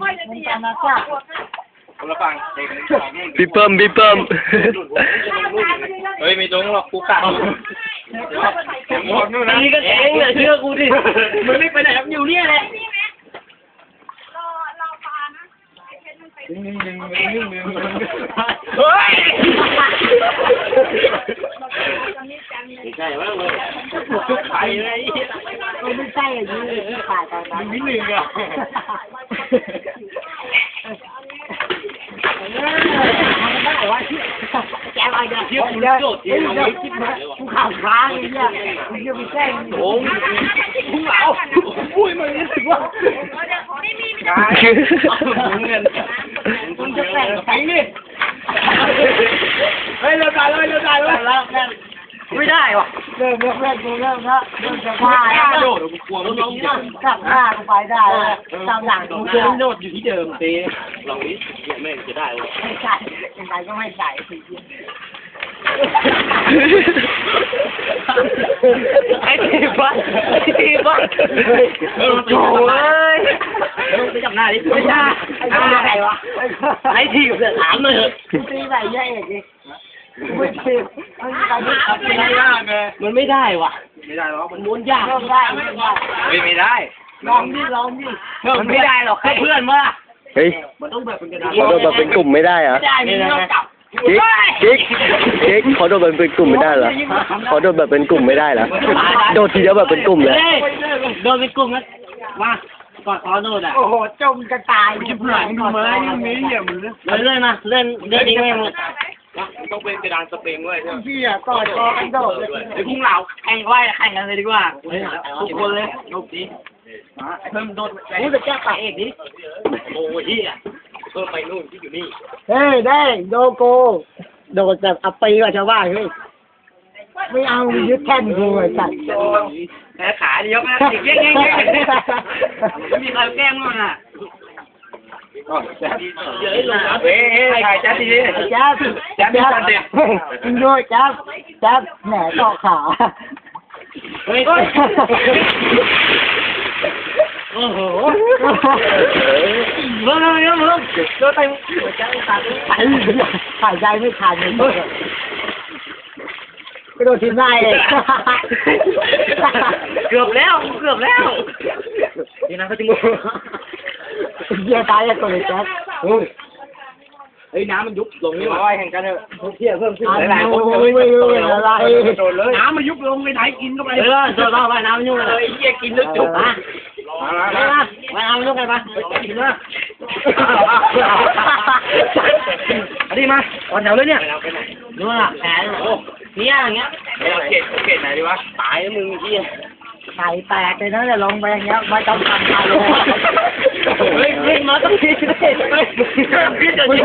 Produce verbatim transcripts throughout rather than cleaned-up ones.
มึงจำนะจ้าคนละฝั่งเด็กพี่เพิ่มพี่เพิ่มเฮ้ยไม่ตรงหรอกกูกะหมดนู่นนะนี่ก็เองเลยเชื่อกูดิมึงไม่ไปไหนครับอยู่เนี่ยแหละนิ่งๆนิ่งๆนิ่งๆเฮ้ยไม่ใช่ว่าเลยชุบไข่เลยไม่ใช่อย่างนี้ถ่ายตอนนั้นนิดนึงอ่ะได้วะแกอะไรเนี่ยเยอะเยอะเยอะคิดนะกูข่าวค้างเลยเนี่ยมึงจะไปแจ้งโอ้ยมึงเอาอุ้ยมันรู้สึกว่าเงินมึงจะแต่งแข่งดิเฮ้ยเริ่มได้เลยเริ่มได้เลยแล้วไม่ได้วะเริ่มเริ่มเริ่มเริ่มแล้วเริ่มจะว่าแล้วโดดกูกลัวมันลงเนี่ยกลับหน้ากูไปได้ตามหลังกูเดินโดดอยู่ที่เดิมอ่ะตีลองนี้แม่งจะได้เลยไม่ใส่ยังไงก็ไม่ใส่สิไอ้ทีบ้าไอ้ทีบ้าโอ้ยไปจับหน้าดิไม่ใช่ไอ้ใครวะไอ้ทีเสือถามเลยตีไหนแย่เอกดิไม่ทีไม่ได้ไม่ได้ไงมันไม่ได้ว่ะไม่ได้หรอกมันม้วนยากได้ไม่ได้เฮ้ยไม่ได้ลองดิลองดิมันไม่ได้หรอกแค่เพื่อนมาเฮ้ยมันต้องแบบเป็นกระดาษขอโดนแบบเป็นกลุ่มไม่ได้เหรอไม่ได้ไม่ต้องจับกิ๊กกิ๊กกิ๊กขอโดนแบบเป็นกลุ่มไม่ได้เหรอขอโดนแบบเป็นกลุ่มไม่ได้เหรอโดดทีเดียวแบบเป็นกลุ่มเลยโดนเป็นกลุ่มนะมากอดคอโดนอ่ะโอ้โหจมกระตายชิบหายดูมาอย่างนี้อย่ามึงเลยเล่นมาเล่นเล่นนี้ไม่หมดต้องเป็นกระดานสปริงด้วยใช่ไหมพี่อ่ะกอดคอกันโดดไอ้พุ่งเหล่าแข่งไว้แข่งกันเลยดีกว่าทุกคนเลยลูกนี้เพิ่มโดดกูจะแก้ปากเอกดิโอ้ยเฮียเพิ่มไปนู่นที่อยู่นี่เฮ้ยได้โดโกโดดแบบอัปปีกว่าชาวบ้านเฮ้ยไม่เอายึดแท่นกูไอ้สัตว์แพ้ขาเดียวนะติดเย้งเย้งเย้งไม่มีใครแกล้งมั้งอ่ะเดี๋ยวให้ลงเฮ้ยถ่ายจัดดีดิจับจับจับมึงด้วยจับจับแหนเกาะขาเฮ้ยโอ้โหเมื่อไงเมื่อโดนเต็มหัวใจขาดหายหายใจไม่ทันเลยกระโดดทีมได้เลยเกือบแล้วเกือบแล้วนี่นะเขาจะมูเยี่ยตายแล้วตัวเลยแจ๊คเฮ้ยน้ำมันยุบลงนี่หว่าแข่งกันเถอะเที่ยเพิ่มขึ้นหลายคนเลยไม่รู้อะไรน้ำมันยุบลงไปไหนกินก็ไปเออโดนไปน้ำมันยุบเลยเยี่ยกินลึกจุกนะมามามาน้ำมันยุบไปปะกินนะอันนี้มาก่อนแถวเลยเนี่ยนู่นอ่ะแผลเนี่ยอย่างเงี้ยเอาเกตเกตไหนดีวะตายแล้วมึงเฮียไข่แตกเลยนะจะลงไปอย่างเงี้ยไม่ต้องทำอะไรเลยเฮ้ยขึ้นมาต้องคิดเลยคิดจะคิด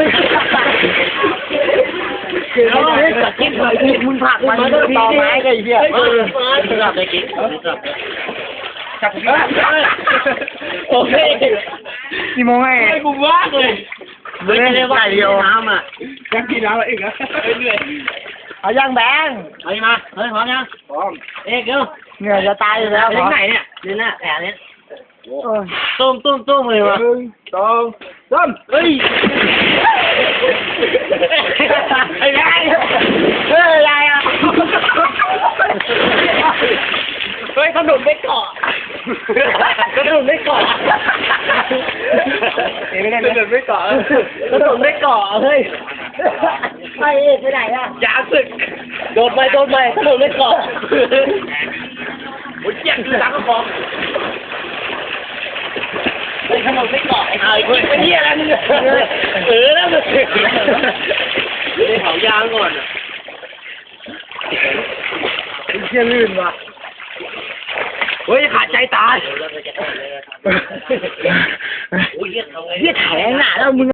เฮ้ยจะคิดเลยคิดมึงผักมันต้องต่อไม้กันเหี้ยเออจับเลยกิ๊กจับจับโอเคกี่โมงไงไอ้กูว่างเลยไม่ได้ว่าเดียวน้ำอ่ะยังกินน้ำอะไรอีกนะเหนื่อยเอายังแบงเอามาเฮ้ยพร้อมยังพร้อมเอ๊ะเดี๋ยวเหนื่อยจะตายอยู่แล้วถึงไหนเนี่ยนี่น่ะแผลนี้ตุ้มตุ้มตุ้มเลยวะหนึ่งสองสามเฮ้ยไอ้ยายเฮ้ยยายอ่ะเฮ้ยขนมไม่เกาะขนมไม่เกาะเอ็งไม่ได้เดินไม่เกาะขนมไม่เกาะเฮ้ยไปเอกไปไหนอ่ะยาสึกโดดไปโดดไปขนมไม่เกาะโอ้ยเจ็บคือสังกะพองไอ้ขนมไม่เกาะไอ้ไอ้คนไอ้เหี้ยอะไรมึงเออแล้วมึงได้เผายางก่อนอ่ะเชี่ยลื่นว่ะเฮ้ยขาดใจตายเฮียแข็งหนาแล้วมึง